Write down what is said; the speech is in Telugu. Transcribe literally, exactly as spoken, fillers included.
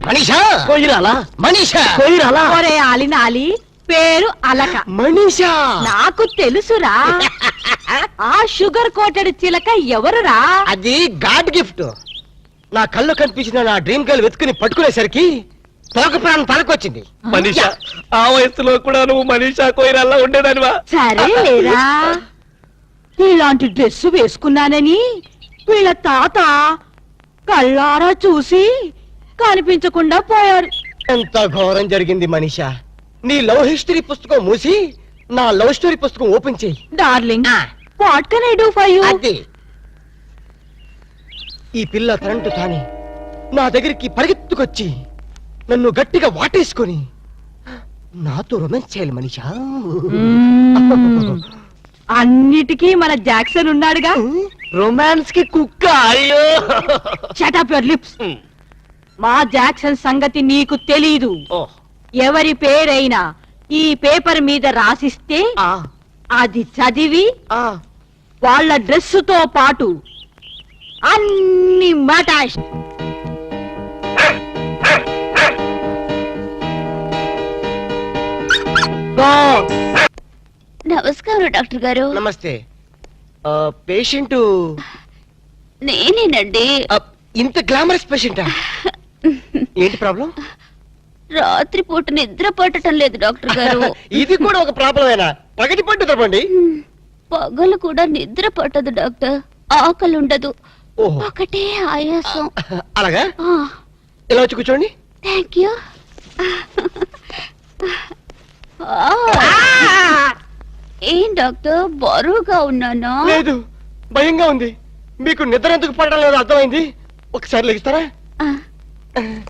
మనీషా కొయ్యరాలా మనీషా కొయ్యరాలా ఒరే ఆలినాలి పేరు అలక మనీషా నాకు తెలుసురా ఆ షుగర్ కోటెడ్ చిలక ఎవరురా? అది గాడ్ గిఫ్ట్. నా కళ్ళు కనిపించిన నా డ్రీమ్ గర్ల్ వెతుకుని పట్టుకునేసరికి తోక ప్రాణం తలకొచ్చింది. మనీషా ఆ వయసులో కూడా నువ్వు మనీషా కొయ్యరాలా ఉండేదానివా? సరే లేరా, ఇలాంటి డ్రెస్ వేసుకున్నానని వీళ్ళ తాత కళ్ళారా చూసి కనిపించకుండా పోయారు. ఎంత ఘోరం జరిగింది మనీషా. నీ లవ్ హిస్టరీ పుస్తకం మూసి నా లవ్ స్టోరీ పుస్తకం ఓపెన్ చేయి. Darling, what can I do for you? అది ఈ పిల్ల కరెంటు తాని నా దగ్గరికి పరిగెత్తుకొచ్చి నన్ను గట్టిగా వాటేసుకొని నాతో రొమాన్స్ చేయాలి మనీషా. అన్నిటికీ మన జాక్సన్ ఉన్నాడుగా. రొమాన్స్ కి కుక్క. అయ్యో షట్ అప్ యువర్ లిప్స్. మా జాక్సన్ సంగతి నీకు తెలీదు. ఎవరి పేరైనా ఈ పేపర్ మీద రాసిస్తే అది చదివి వాళ్ళ డ్రెస్సుతో పాటు అన్ని మటాష్. నమస్కారం డాక్టర్ గారు. నమస్తే. పేషెంట్ నేనేనండి. ఇంత గ్లామరస్ పేషెంటా? ఏంటి ప్రాబ్లం? రాత్రి పూట నిద్ర పట్టడం లేదు డాక్టర్ గారు. ఇది కూడా ఒక ప్రాబ్లమేనా? పగటి పట్టు తప్పండి. పగలు కూడా నిద్ర పట్టదు డాక్టర్. ఆకలి ఉండదు, ఓహో. ఒకటే ఆయాసం. అలాగా? ఇలా వచ్చి కూర్చోండి. Thank you. ఏం డాక్టర్ బరువుగా ఉన్నానా? లేదు, భయంగా ఉంది. మీకు నిద్ర ఎందుకు పడడం లేదు అర్థమైంది. ఒకసారి లెగిస్తారా?